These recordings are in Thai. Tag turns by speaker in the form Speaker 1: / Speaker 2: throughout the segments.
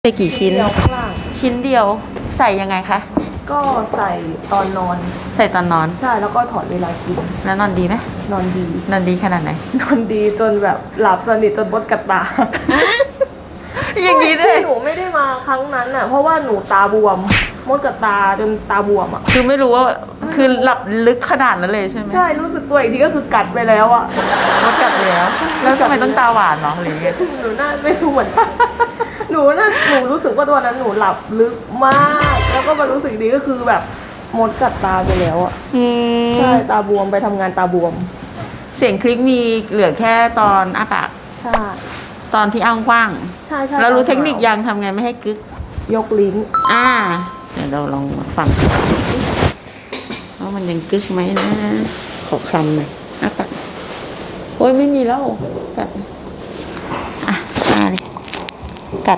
Speaker 1: ไปกี่ชิ้น
Speaker 2: เดียวข้างล่าง
Speaker 1: ชิ้นเดียวใส่ยังไงคะ
Speaker 2: ก็ใส่ตอนนอน
Speaker 1: ใส่ตอนนอน
Speaker 2: ใช่แล้วก็ถอดเวลากิน
Speaker 1: แล้วนอนดีไหม
Speaker 2: นอนดี
Speaker 1: นอนดีขนาดไหน
Speaker 2: นอนดีจนแบบหลับสนิทจนมดกัดตา
Speaker 1: อย่างนี้ด้วย
Speaker 2: ที่หนูไม่ได้มาครั้งนั้นน่ะเพราะว่าหนูตาบวมมดกัดตาจนตาบวมอ่ะ
Speaker 1: คือไม่รู้ว่าคือหลับลึกขนาดนั้นเลยใช่ไหม
Speaker 2: ใช่รู้สึกตัวอีกทีก็คือกัดไปแล้วอ่ะ
Speaker 1: มดกัดไปแล้วแล้วทำไมต้องตาหวานเนาะอะไรเงี้ย
Speaker 2: หนูน่าไม่รู้เหมือนกัน หนูรู้สึกว่าตัวนั้นหนูหลับลึกมาก แล้วก็มารู้สึกดีก็คือแบบมดกัดตาไปแล้วอ่ะใช่ตาบวมไปทำงานตาบวม
Speaker 1: เสียงคลิกมีเหลือแค่ตอนอ้าปาก
Speaker 2: ใช่
Speaker 1: ตอนที่อ้างกว้าง
Speaker 2: ใช่
Speaker 1: แล้วรู้เทคนิคยังทำไงไม่ให้กึก
Speaker 2: ยกลิ้น
Speaker 1: เดี๋ยวเราลองฟังว่ามันยังกึกไหมนะขอคำหน่อยอ้าปากโอ้ยไม่มีแล้วกัดเลยกัด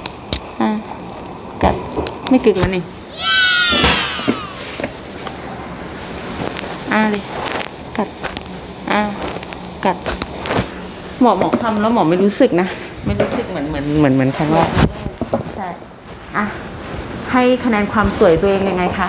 Speaker 1: กัดไม่กึกแล้วนี่เลยกัดกัดหมอทำแล้วหมอไม่รู้สึกนะไม่รู้สึกเหมือนครั้งแรกใช่ให้คะแนนความสวยตัวเองยังไงคะ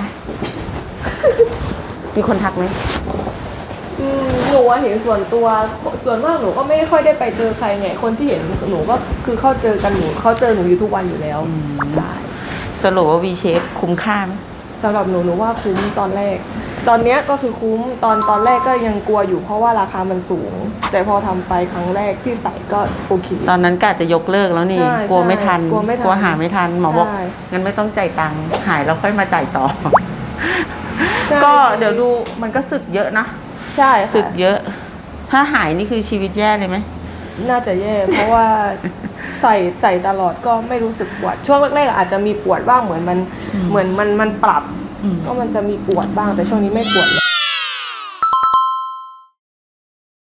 Speaker 1: มีคนทักไหม
Speaker 2: หนูเห็นส่วนตัวส่วนมากหนูก็ไม่ค่อยได้ไปเจอใครไงคนที่เห็นหนูก็คือเขาเจอกันเขาเจอหนูอยู่ทุกวันอยู่แล้วใช่
Speaker 1: สรุปว่า V Shape คุ้มค่าไหม
Speaker 2: สำหรับหนูว่าคุ้มตอนแรกตอนเนี้ยก็คือคุ้มตอนแรกก็ยังกลัวอยู่เพราะว่าราคามันสูงแต่พอทำไปครั้งแรกที่ใส่ก็โอเค
Speaker 1: ตอนนั้นกะจะยกเลิกแล้วนี่กลัวไม่ทันกลัวหาไม่ทันหมอบอกงั้นไม่ต้องจ่ายตังค์หายแล้วค่อยมาจ่ายต่อก็เดี๋ยวดูมันก็สึกเยอะนะ
Speaker 2: ใช่
Speaker 1: สึกเยอะถ้าหายนี่คือชีวิตแย่เลยไหม
Speaker 2: น่าจะแย่เพราะว่าใส่ตลอดก็ไม่รู้สึกปวดช่วงแรกๆอาจจะมีปวดบ้างเหมือนมันปรับก็มันจะมีปวดบ้างแต่ช่วงนี้ไม่ปวดเลย